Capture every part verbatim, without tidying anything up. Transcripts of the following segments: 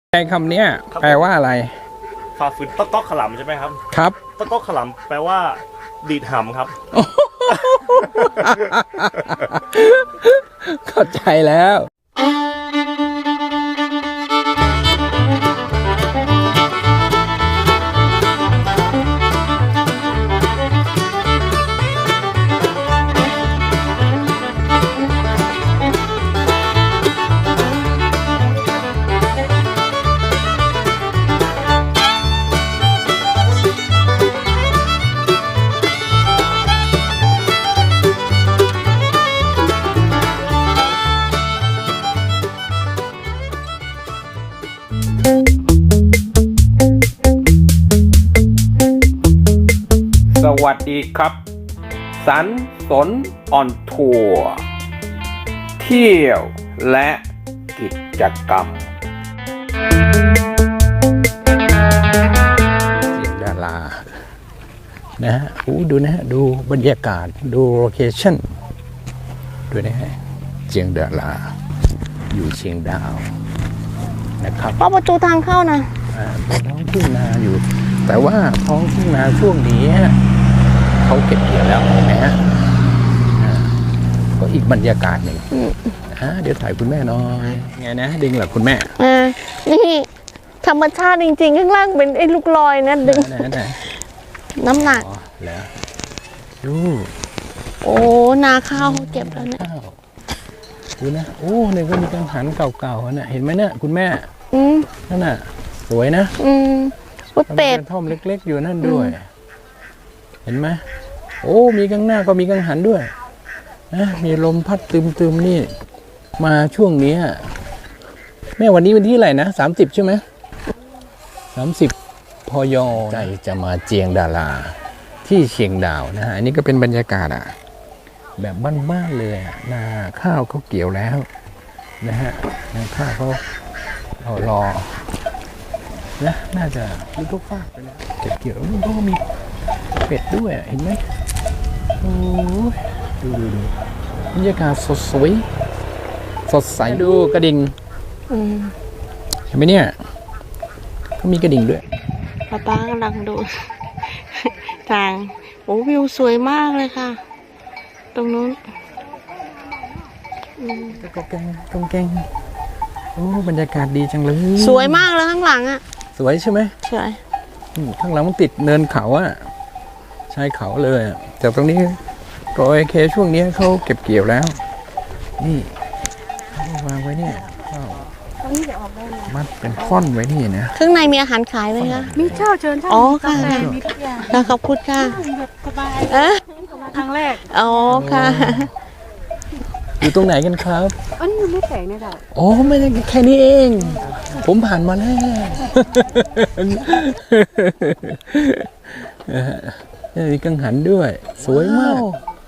ในคำนี้แปลว่าอะไรฝ่าฝืนต๊อกต๊อกขลำใช่ไหมครับครับต๊อกต๊อกขลำแปลว่าดีดหำครับเข้าใจแล้วสวัสดีครับสันสนออนทัวร์เที่ยวและกิจกรรมเสียงดารานะฮะดูนะฮะดูบรรยากาศดูโลเคชั่นดูนะฮะเชียงดาราอยู่เชียงดาวนะครับป้าประตูทางเข้านะอ่าเป็นท้องทุ่งนาอยู่แต่ว่าท้องทุ่งนาช่วงนี้เขาเก็บเกี่ยวแล้วนะฮะก็อีกบรรยากาศหนึ่งฮะเดี๋ยวถ่ายคุณแม่น้อยไงนะดึงเหรอคุณแม่อ่านี่ธรรมชาติจริงๆข้างล่างเป็นไอ้ลูกลอยนะดึงน้ำหนักแล้วดูโอ้นาข้าวเขาเก็บแล้วเนี่ยดูนะโอ้เนี่ยก็มีกังหันเก่าๆนะเห็นไหมเนี่ยคุณแม่อืมนั่นน่ะสวยนะอืมพุทธเป็ดท่อมเล็กๆอยู่นั่นด้วยเห็นไหมโอ้มีกังหน้าก็มีกังหันด้วยนะมีลมพัดตึมๆนี่มาช่วงนี้แม่วันนี้วันที่อะไรนะสามสิบใช่ไหมสามสิบพยใจจะมาเจียงดาราที่เชียงดาวนะฮะอันนี้ก็เป็นบรรยากาศอ่ะแบบบ้านๆเลยนาข้าวเขาเกี่ยวแล้วนะฮะนาข้าวเขารอรอนะน่าจะมีทุกฝากไปแล้วเก็บเกี่ยวมันก็มีเป็ดด้วยเห็นไหมโอ้ยดูดูดูบรรยากาศสดสวยสดใสดูกระดิ่งเห็นไหมเนี่ยก็มีกระดิ่งด้วยป้าป้ากำลังดูทางโอ้วิวสวยมากเลยค่ะตรงนู้นก็แกงกงแกงโอ้บรรยากาศดีจังเลยสวยมากเลยข้างหลังอ่ะสวยใช่ไหมสวยข้างหลังมันติดเนินเขาอ่ะชายเขาเลยจากตรงนี้ก็โอเคช่วงนี้เขาเก็บเกี่ยวแล้วนี่เขาวางไว้เนี่ยมัดเป็นท่อนไว้นี่นะข้างในมีอาหารขายไหมคะมีเช่าเชิญเช่าอ๋อค่ะมีทุกอย่างขอบคุณค่ะสบายครั้งแรกอ๋อค่ะอยู่ตรงไหนกันครับอันนี้ไม่แปลกนะจ๊ะโอ้ไม่ใช่แค่นี้เองผมผ่านมาแล้วนี่กังหันด้วยสวยมาก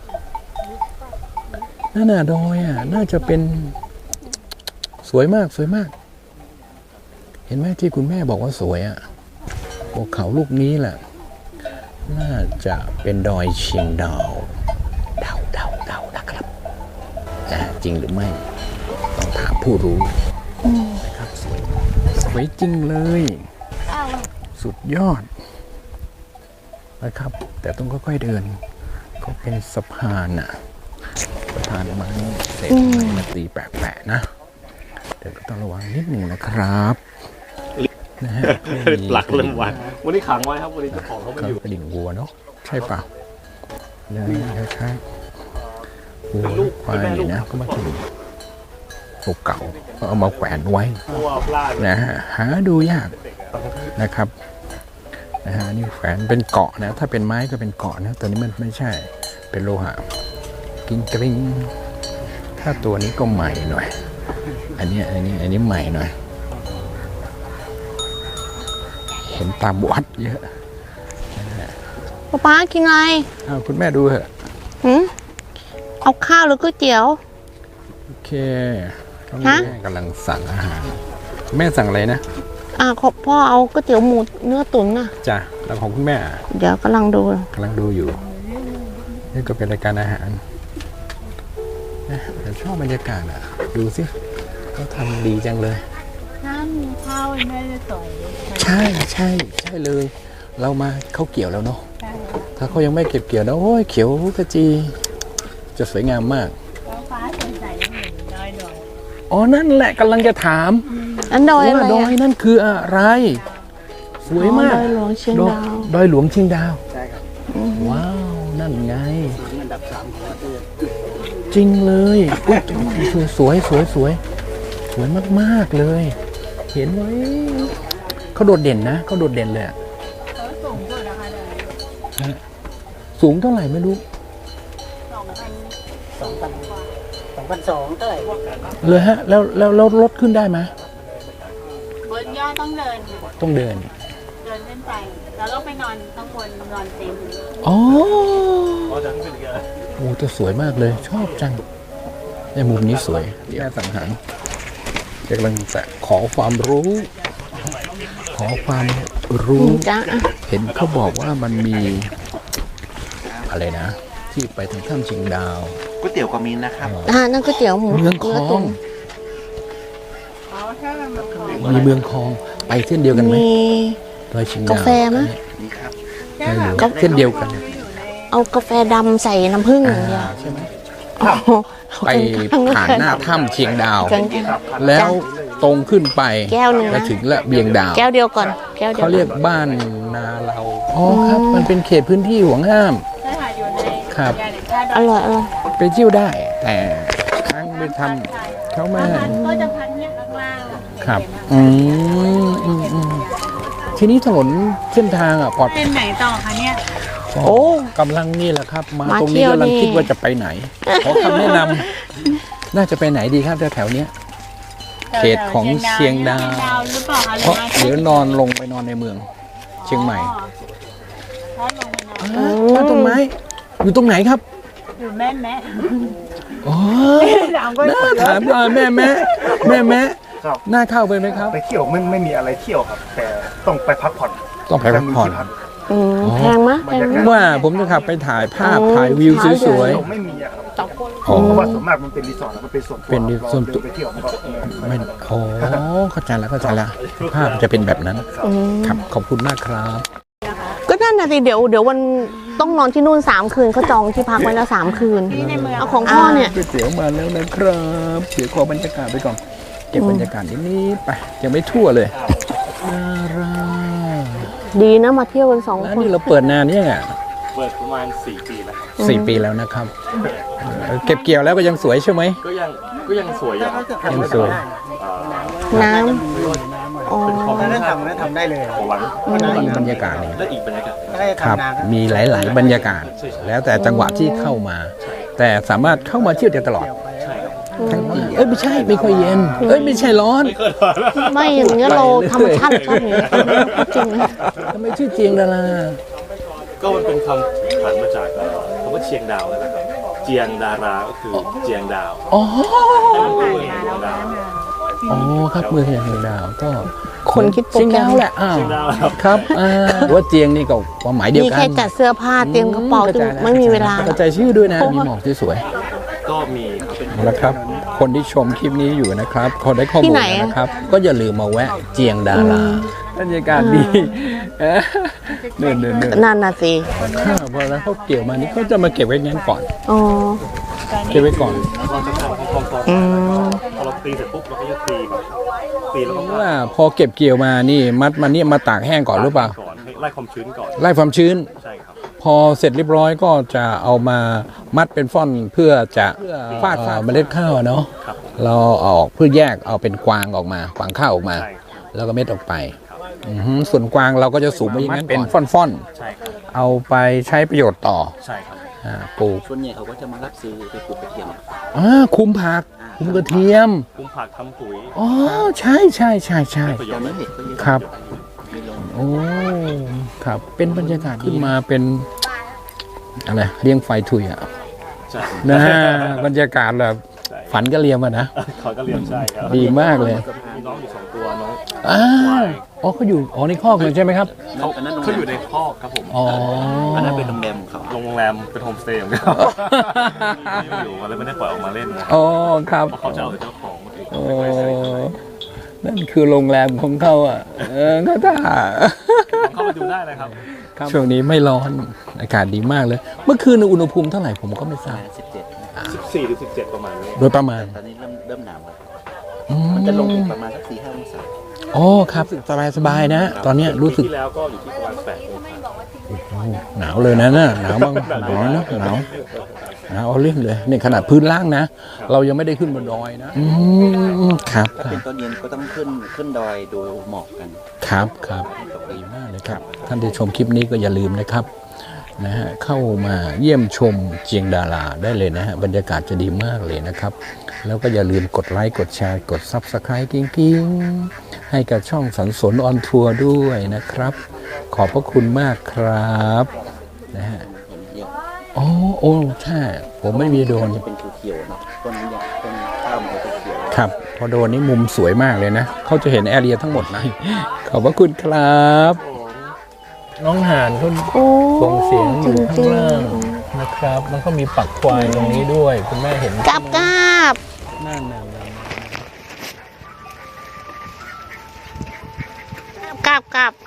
นั่นน่ะดอยอ่ะน่าจะเป็นสวยมากสวยมากเห็นไหมที่คุณแม่บอกว่าสวยอ่ะภูเขาลูกนี้แหละน่าจะเป็นดอยเชียงดาวเดาเดาเดานะครับจริงหรือไม่ต้องถามผู้รู้นะครับสวยสวยจริงเลยสุดยอดนะครับแต่ต้องค่อยๆเดินก็เป็นสะพานน่ะสะพานไม้เศษไม้มาตีแปะๆนะเดี๋ยวก็ต้องระวังนิดหนึ่งนะครับนะฮะหลักเริ่มวันวันนี้ขังไว้ครับวันนี้เจ้าของเขาไม่อยู่กระดิ่งวัวเนาะใช่ป่ะเนี่ยคล้ายๆวัวควายนะก็มาถึงเก่าก็เอามาแขวนไว้นะฮะหาดูยากนะครับนะฮะนี่แขวนเป็นเกาะนะถ้าเป็นไม้ก็เป็นเกาะนะตัวนี้มันไม่ใช่เป็นโลหะกิ้งกริ้งถ้าตัวนี้ก็ใหม่หน่อยอันนี้อันนี้อันนี้ใหม่หน่อยเห็นตามวัดเยอะป๊าป๊ากินอะไรอ้าวคุณแม่ดูเหอะหืมเอาข้าวหรือก๋วยเตี๋ยวโอเคแม่กำลังสั่งอาหารแม่สั่งอะไรนะอ่าขอพ่อเอาก๋วยเตี๋ยวหมูเนื้อตุ๋นนะจ้ะแล้วของคุณแม่เดี๋ยวกำลังดูกำลังดูอยู่นี่ก็เป็นรายการอาหารชอบบรรยากาศอ่ะดูสิเขาทำดีจังเลยน้ำข้าวแม่จะสวยใช่ใช่ใช่เลย เรามาเขาเกี่ยวแล้วเนาะใช่ถ้าเขายังไม่เก็บเกี่ยวนะโอ้ยเขียวกระจี จะสวยงามมากแล้วฟ้าใสๆเหมือนดอยดอยอ๋อนั่นแหละกำลังจะถามอันดอยอะไรว่าดอยอะนั่นคืออะไร สวยมากอ๋อดอยหลวงเชียงดาวดอยหลวงเชียงดาวใช่ครับว้าว นั่นไงอันดับสามของประเทศจริงเลยอุ๊ยสวยสวยสวยสวยมากๆเลย เห็นไหมเขาโดดเด่นนะเขาโดดเด่นเลยอะเขาสูงสุดนะคะเลยสูงเท่าไหร่ไม่รู้สองพันสองพันสองพันสองเท่าไหร่เลยฮะ แล้วแล้วแล้วรถขึ้นได้ไหมบนยอดต้องเดินต้องเดินเดินขึ้นไป แล้วก็ไปนอนข้างบนนอนเต็มอ๋อเพราะฉะนั้นเป็นยังไงโอ้แต่สวยมากเลย ชอบจังในมุมนี้สวยแค่สังหารกำลังจะขอความรู้ ขอความรู้จ้าเห็นเขาบอกว่ามันมี อะไรนะ ที่ไปทางถ้ำเชียงดาวก๋วยเตี๋ยวกามินนะครับอ่านั่นก๋วยเตี๋ยวหมูเมืองคลอตุ๋งนอ๋อถ้ามันมาขอมีเมืองคลองไปเส้นเดียวกันไหมมีดอยเชียงดาวกาแฟไหมนี่ครับใช่ค่ะก็เส้นเดียวกันเอากาแฟดำใส่น้ำผึ้งอย่างเดียวใช่ไหมอ๋อไปผ่านหน้าถ้ำเชียงดาวกันแล้วตรงขึ้นไปแก้วหนึ่งแล้วนะถึงละเบียงดาวแก้วเดียวก่อน แก้วเดียวเขาเรียกบ้านนาเราอ๋อครับ มันเป็นเขตพื้นที่ห่วงห้ามใช่ค่ะอยู่ในครับยานแห่งชาติดออยร่อยอร่อยไปเที่ยวได้ แต่ครั้งไปทำเขาไม่ถ้าให้พันก็จะพันเนี่ยข้างล่างครับ อืมอืมอืมทีนี้ถนนเส้นทางอ่ะปลอดเป็นไหนต่อคะเนี่ยโอ้กำลังนี่แหละครับ มามาตรงเที่นี้ยวกำลังนี่คิดว่าจะไปไหน ขอคำแนะนำน่าจะไปไหนดีครับแถวๆเนี้ย เขตของเชียงดาวเชียงดาวหรือเปล่าคะเพราะเดี๋ยวนอนลงไปนอนในเมือง เชียงใหม่ถ้าลงไปนอนอ่าบ้านต้นไม้ อยู่ตรงไหนครับอยู่แม่แม่อ๋อถามก็น่าถามหน่อยแม่แม่แม่แม่ครับน่าเข้าไปไหมครับไปเที่ยวไม่ไม่มีอะไรเที่ยวครับ แต่ต้องไปพักผ่อนต้องไปพักผ่อนแล้วมีที่อืมอ๋อแพงมะแพงมะว่าผมจะขับไปถ่ายภาพอ๋อถ่ายวิวสวยเที่ยวไม่มีอะครับๆอ๋อเพราะว่าส่วนมากมันเป็นรีสอร์ทแล้วมันเป็นส่วนตัวเป็นรีส่วนตัวเราเดิไปเที่ยวมันก็เออไม่โอ้เข้าใจแล้วเข้าใจแล้วภาพจะเป็นแบบนั้นอืมครับขอบคุณมากครับก็นั่นน่ะสิเดี๋ยวเดี๋ยววันต้องนอนที่นู่นสามคืนเขาจองที่พักไว้แล้วสามคืนที่ในเมืองเอาของพ่อเนี่ยก๋วยเตี๋ยวมาแล้วนะครับเดี๋ยวขอบรรยากาศไปก่อนเก็บบรรยากาศนิดนี้ไปยังไม่ทั่วเลยน่ารักดีนะมาเที่ยวกันสองร้านคนนี้เราเปิดนานเนี่ยงเปิดประมาณสี่ปีแล้วครับสี่ปีแล้วนะครับเออเก็บเกี่ยวแล้วก็ยังสวยใช่ไหมก็ยังก็ยังสวยอยู่ครับยังสวยอ่าน้ำอ๋อเป็นของถ้าทำก็ทำได้เลยของหวานมีบรรยากาศนี่และอีกบรรยากาศได้ครับทำนามีหลาย ๆ บรรยากาศ แล้วแต่จังหวะที่เข้ามา แต่สามารถเข้ามาเที่ยวได้ตลอดใช่ครับทั้งปีเอ้ยไม่ใช่ไม่ค่อยเย็น เอ้ยไม่ใช่ร้อนไม่อย่างเงี้ยเราธรรมชาติชอบอย่างเงี้ยจริงนะทำไมชื่อเจียงดาราก็มันเป็นคำผันมาจากเอ่อคำว่าเชียงดาวนั่นแหละครับเจียงดาราก็คือเจียงดาวอ๋อให้มันเป็นเมืองแห่งดวงดาวอ๋อครับเมืองแห่งดาวก็คนคิดโปรเชียงแกรดาม วแหละอ้าวเชียงดาวครับครับอ่าว่าเจียงนี่ก็ความหมายเดียวมีกันแค่จัดเสื้อผ้าเตรียมกระเป๋าอืจึงข้ใจไม่มีเวลาเข้าใจชื่อด้วยนะ มีหมอกที่สวยก็มีครับเป็นเอาละครับ คนที่ชมคลิปนี้อยู่นะครับเขาได้ข้อที่มูลไหนแล้วอะนะครับ ก็อย่าลืมมาแวะเจียงดาราบรรยากาศดีเอ้อเนินเนินเนินนั่นน่ะสิข้าวพอแล้วเขาเกี่ยวมานี่เขาจะมาเก็บไว้งั้นก่อนอ๋อเก็บไว้ก่อนเราจะทำให้คล่องอืมๆพอเราตีเสร็จปุ๊บเราก็จะตีแบบตีแล้วก็ว่าพอเก็บเกี่ยวมานี่มัดมานี่มาตากแห้งก่อนหรือเปล่าก่อนให้ไล่ความชื้นก่อนไล่ความชื้นใช่ครับพอเสร็จเรียบร้อยก็จะเอามามัดเป็นฟ่อนเพื่อจะฟาดฟาดเมล็ดข้าวอะเนาะครับเราเอาออกเพื่อแยกเอาเป็นกวางออกมากวางข้าวออกมาใช่ครับแล้วก็เม็ดออกไปอือหือส่วนกวางเราก็จะสูบมาอย่างนั้นเป็นฟ่อนใช่ครับๆเอาไปใช้ประโยชน์ต่อใช่ครับอ่าปลูกส่วนใหญ่เขาก็จะมารับซื้อไปปลูกกระเทียมอ่าคุมผักคุมกระเทียมคุมผักทำปุ๋ยอ๋อใช่ใช่ใช่ใช่ประโยตอชนน์นี้เห็ดก็เยอะครับมีลงโอ้ครับเป็นบรรยากาศขึ้นมาเป็นอะไรเลี้ยงไฟทุยอ่ะใช่นะบรรยากาศแบบฝันก็เลียมอะนะเขาก็เรียนใช่ครับดีมากเลยมีน้องอยู่สองตัวน้องอ้าว อ๋อเขาอยู่อ๋อในคอกเลยใช่ไหมครับเขาเขาอยู่ในคอกครับผมอ๋ออันนั้นเป็นโรงแรมของเขาโรงแรมเป็นโฮมสเตย์ของเขาอยู่มาเลยไม่ได้ปล่อยออกมาเล่นนะอ๋อครับเพราะเขาจะเอาแต่เจ้าของมาเองโอ้นั่นคือโรงแรมของเขาอ่ะเออก็ถ้าเข้าไปดูได้เลยครับช่วงนี้ไม่ร้อนอากาศดีมากเลย เมื่อคืนอุณหภูมิเท่าไหร่ผมก็ไม่ทราบสิบเจ็ดสิบสี่หรือสิบเจ็ดประมาณนี้โดยประมาณตอนนี้เริ่มเริ่มหนาวแล้วอืมันจะลงอีกประมาณสักสี่ห้าองศาอ๋อครับสบายสบายๆนะ ตอนเนี้ยรู้สึกปีที่แล้วก็อยู่ที่ประมาณแปดองศาโอ้หนาวเลยนะน่ะหนาวบ้างหนาวนะหนาวหนาวเอาเรื่องเลยนี่ขนาดพื้นล่างนะ เรายังไม่ได้ขึ้นบนดอยนะอืมครับถ้าเป็นตอนเย็นก็ต้องขึ้นขึ้นดอยดูหมอกกันครับครับดีมากเลยครับ ท่านที่ชมคลิปนี้ก็อย่าลืมนะครับนะฮะเข้ามาเยี่ยมชมเจียงดาราได้เลยนะฮะบรรยากาศจะดีมากเลยนะครับ แล้วก็อย่าลืมกดไลค์กดแชร์กด ซับสไครบ์ กิ้งกิ้งให้กับช่องสันสนออนทัวร์ด้วยนะครับ ขอบพระคุณมากครับนะฮะเห็นเยอะโอ้โอ้ใช่ผมไม่มีโดรนจะเป็นเขียวๆเนาะต้นนี้ต้นข้าวมันจะเขียวครับ พอโดรนนี่มุมสวยมากเลยนะเขาจะเห็นแอเรียทั้งหมดนะ ขอบพระคุณครับ น้องห่านเขาโอ้ส่งเสียงอยู่ข้างจริงล่างนะครับ มันก็มีปักควายตรงนี้ด้วย คุณแม่เห็นๆกราบกราบนั่นนั่นนั่นกราบกราบ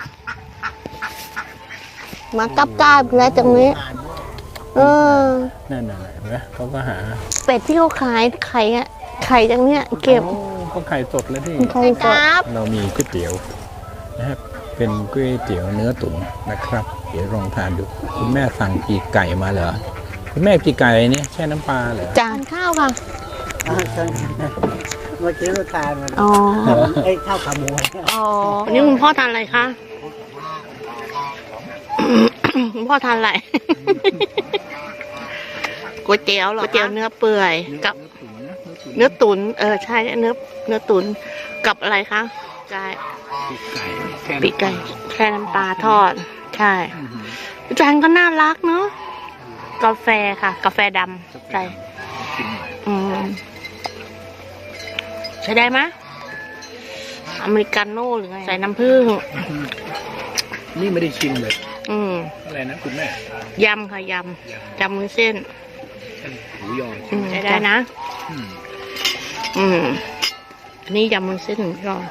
มากราบกราบแล้วตรงนี้ เออนั่นนั่นเห็นไหมเขาก็หาเป็ดที่เขาขายไข่อะไข่จังเนี้ยเก็บโอ้ก็ไข่สดเลยที่ไข่กราบเรามีก๋วยเตี๋ยวนะครับ เป็นก๋วยเตี๋ยวเนื้อตุ๋นนะครับ เดี๋ยวลองทานดู คุณแม่สั่งปีกไก่มาเหรอ คุณแม่ปีกไก่เนี่ยแช่น้ำปลาเหรอจานข้าวค่ะเมื่อกี้ลูกชายมันอ๋อไอ้ข้าวขาหมูอ๋อ นี่คุณพ่อทานอะไรคะ คุณพ่อทานอะไร ก๋วยเตี๋ยวเหรอก๋วยเตี๋ยวเนื้อเปื่อยกับ เนื้อตุ๋นเออใช่เนื้อเนื้อตุ๋นกับอะไรคะไก่ปีกไก่แค่น้ำปลาทอด ใช่จานก็น่ารักเนาะกาแฟค่ะ กาแฟดำใช่อืมใช้ได้ไหมอเมริกาโน่หรือไงใส่น้ำผึ้งนี่ไม่ได้ชิมเลยอืมอะไรนะคุณแม่ยำค่ะยำยำมือเส้นหมูยออืมใช้ได้นะอืมอืมอันนี้ยำมือเส้นหมูยอ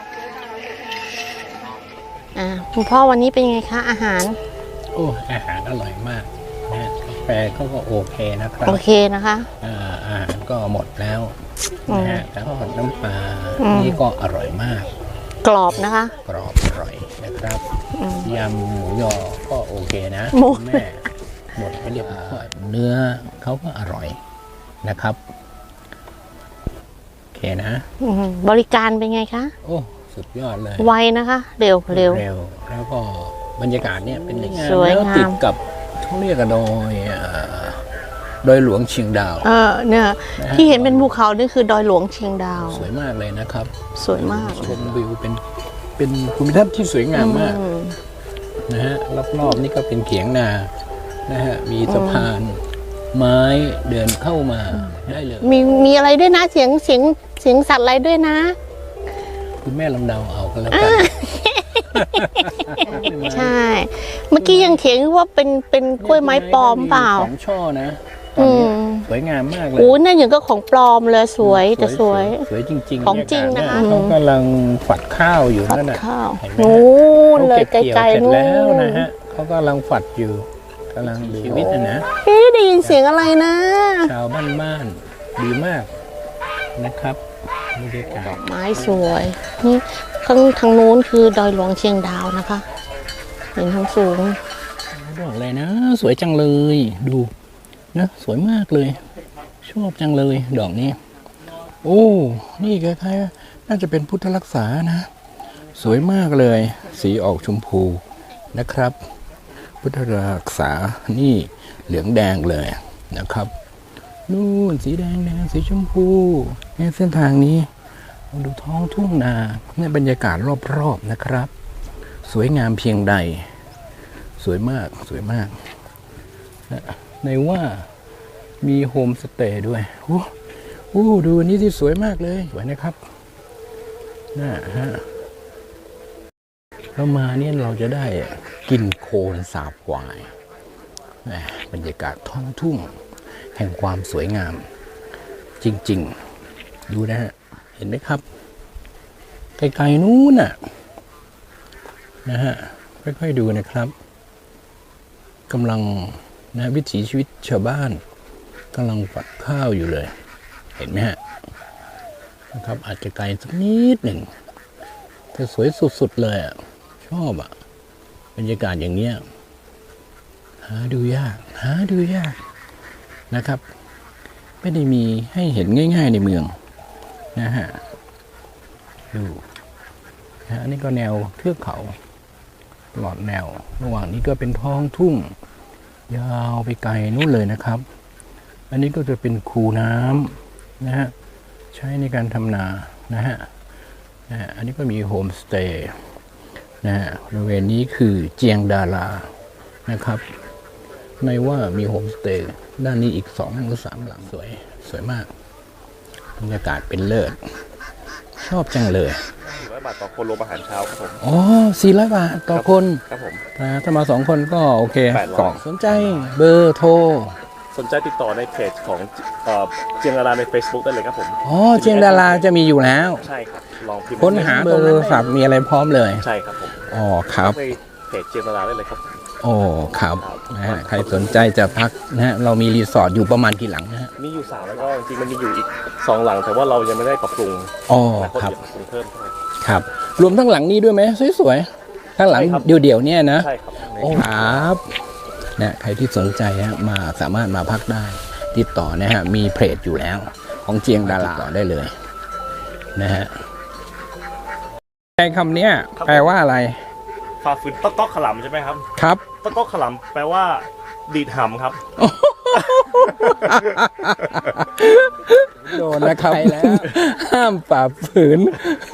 อ่าคุณพ่อวันนี้เป็นยังไงคะอาหารโอ้อาหารอร่อยมากนะฮะกาแฟเขาก็โอเคนะครับโอเคนะคะอ่าอาหารก็หมดแล้วนะฮะแล้วก็น้ำปลาอืมนี่ก็อร่อยมากกรอบนะคะกรอบอร่อยนะครับอืมยำหมูยอก็โอเคนะหมูคุณแม่หมดไปเรียบร้อยเนื้อเขาก็อร่อยนะครับโอเคนะอืมบริการเป็นไงคะโอ้สุดยอดเลยไวนะคะ เร็วเร็วเร็วแล้วก็บรรยากาศเนี่ยเป็นงามสวยงามแล้วติดกับเขาเรียกกันดอยอ่าดอยหลวงเชียงดาวเออเนี่ย ที่เห็นเป็นภูเขานี่คือดอยหลวงเชียงดาวสวยมากเลยนะครับสวยมากชมวิวเป็นเป็นภูมิทัศน์ที่สวยงามมากอืมนะฮะรอบๆนี่ก็เป็นเขียงนานะฮะมีสะพานไม้เดินเข้ามาได้เลยมีมีอะไรด้วยนะเสียงเสียงเสียงสัตว์อะไรด้วยนะคุณแม่ลำเดาเอาก็แล้วกันใช่ เมื่อกี้ยังเถียงว่าเป็นเป็นกล้วยไม้ปลอมเปล่าสองช่อนะตอนนี้อืมสวยงามมากเลยโอ้นั่นอย่างก็ของปลอมเลยสวยแต่สวยสวยจริงๆของจริงนะคะเขากำลังฝัดข้าวอยู่ผัดนั่นน่ะข้าวเห็นไหมนู้นเขาเลยเก็บไกเกี่ยวลเสร็จๆนู้นแล้วนะฮะเขากำลังฝัดอยู่กำลังชีวิตนะนะเอ๊ะได้ยินเสียงอะไรนะชาวบ้านๆดีมากนะครับบรรยากาศไม้สวยนี่ข้างทางนู้นคือดอยหลวงเชียงดาวนะคะ เห็นทางสูงบอกเลยนะ สวยจังเลยดูนะสวยมากเลย ชอบจังเลยดอกนี้ โอ้นี่คล้ายๆน่าจะเป็นพุทธรักษานะ สวยมากเลย สีออกชมพูนะครับ พุทธรักษานี่เหลืองแดงเลยนะครับนู่นสีแดงแดงสีชมพูเนี่ยเส้นทางนี้ดูท้องทุ่งนาเนี่ยบรรยากาศรอบๆนะครับ สวยงามเพียงใด สวยมากสวยมากในว่ามีโฮมสเตย์ด้วยโอ้โหดูอันนี้ที่สวยมากเลยสวยนะครับน่าฮะเรามาเนี่ยเราจะได้กินโคลนสาบควายแหม่บรรยากาศท้องทุ่งแห่งความสวยงาม จริงๆดูนะฮะเห็นไหมครับไกลๆนู้นน่ะนะฮะค่อยๆดูนะครับกำลังนะวิถีชีวิตชาวบ้านกำลังฝัดข้าวอยู่เลย เห็นไหมฮะนะครับอาจจะไกลสักนิดหนึ่งแต่สวยสุดๆเลยอ่ะชอบอ่ะบรรยากาศอย่างเนี้ยหาดูยากหาดูยากนะครับไม่ได้มีให้เห็นง่ายๆในเมืองนะฮะดูนะอันนี้ก็แนวเทือกเขาตลอดแนวระหว่างนี้ก็เป็นท้องทุ่งยาวไปไกลนู่นเลยนะครับอันนี้ก็จะเป็นคูน้ำนะฮะใช้ในการทำนานะฮะนะฮะอันนี้ก็มีโฮมสเตย์นะฮะบริเวณนี้คือเจียงดารานะครับไม่ว่ามีโฮมสเตย์ด้านนี้อีกสองหรือสามหลังสวยสวยมากบรรยากาศเป็นเลิศชอบจังเลยสี่ร้อยบาทต่อคนรวมอาหารเช้าครับผมอ๋อสี่ร้อยบาทต่อคนครับผมนะถ้ามาสองคนก็โอเคแปดร้อยกล่องสนใจเบอร์โทรสนใจติดต่อในเพจของเอ่อเจียงดาราใน Facebook ได้เลยครับผมอ๋อเจียงดาราจะมีอยู่แล้วใช่ครับลองพิมพ์ค้นหาเบอร์โทรศัพท์มีอะไรพร้อมเลยใช่ครับผมอ๋อครับในเพจเจียงดาราได้เลยครับโอ้ครับนะฮะใครสนใจจะพักนะฮะเรามีรีสอร์ทอยู่ประมาณกี่หลังนะฮะมีอยู่สามแล้วก็จริงๆมันมีอยู่อีกสองหลังแต่ว่าเรายังไม่ได้ปรับปรุงอ๋อนะคครับจะปรับปรุงเพิ่มเท่าไหร่ครับ รวมทั้งหลังนี้ด้วยไหมสวยๆข้างหลังใช่ครับเดี่ยวๆเนี่ยนะใช่ครับโอ้ครับนะใครที่สนใจฮะมาสามารถมาพักได้ติดต่อนะฮะมีเพจอยู่แล้วของเจียงดาราติดต่อได้เลยนะฮะในคำเนี้ยแปลว่าอะไรฝ่าฝืนต๊อกต๊อกขลำใช่ไหมครับครับต๊อกต๊อกขลำแปลว่าดีดหำครับโดนนะครับห้ามฝ่าฝืน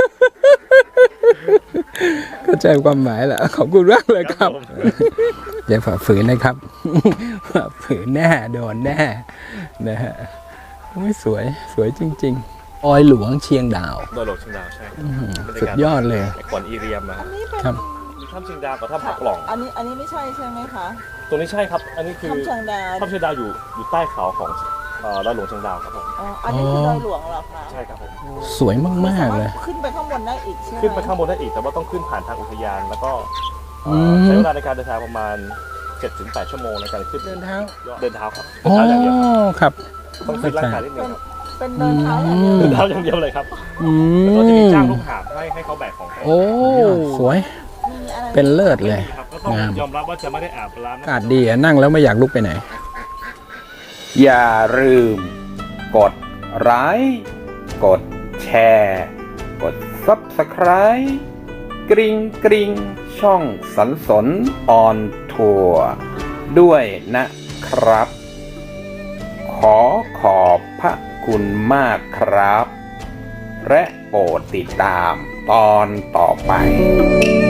เข้าใจความหมายแล้วขอบคุณมากเลยครับอย่าฝ่าฝืนนะครับฝ่าฝืนแน่โดนแน่นะฮะไม่สวยสวยจริงๆออยหลวงเชียงดาวโดยโลกเชียงดาวใช่ครับสุดยอดเลยในก่อนอีเรียมนะครับครับมีถ้ำเชียงดาวกับถ้ำผักหล่องอันนี้อันนี้ไม่ใช่ใช่ไหมคะตัวนี้ใช่ครับ อันนี้คือถ้ำเชียงดาวถ้ำเชียงดาวอยู่อยู่ใต้เขาของเอ่อดอยหลวงเชียงดาวครับผมอ๋ออันนี้คือดอยหลวงเหรอคะใช่ครับผมสวยมากๆเลยขึ้นไปข้างบนได้อีกใช่ไหมขึ้นไปข้างบนได้อีกแต่ว่าต้องขึ้นผ่านทางอุทยาน แล้วก็เอ่อมใช้เวลาในการเดินทางประมาณ เจ็ดถึงแปด ชั่วโมงในการขึ้นเดินเท้าเดินเท้าครับเดิอ๋นอเท้าอย่างเดียวครับครับต้องขึ้นร่างกายนิดนึงครับเป็นเดินเท้าอย่างเดียวเดินเท้าอย่างเดียวเลยครับอืแล้วก็จะมีมจ้างลูกหาบให้ให้เขาแบกของให้โอ้สวยมีอะไรเป็นเลิศเลยครับก็ต้องงามยอมรับว่าจะไม่ได้อาบน้ำอากาศดีอะนั่งแล้วไม่อยากลุกไปไหนอย่าลืม กดไลค์กดแชร์ กด ซับสไครบ์ กริ๊งกริ๊งช่องสันสนออนทัวร์ด้วยนะครับ ขอขอบพระคุณมากครับ และโปรดติดตามตอนต่อไป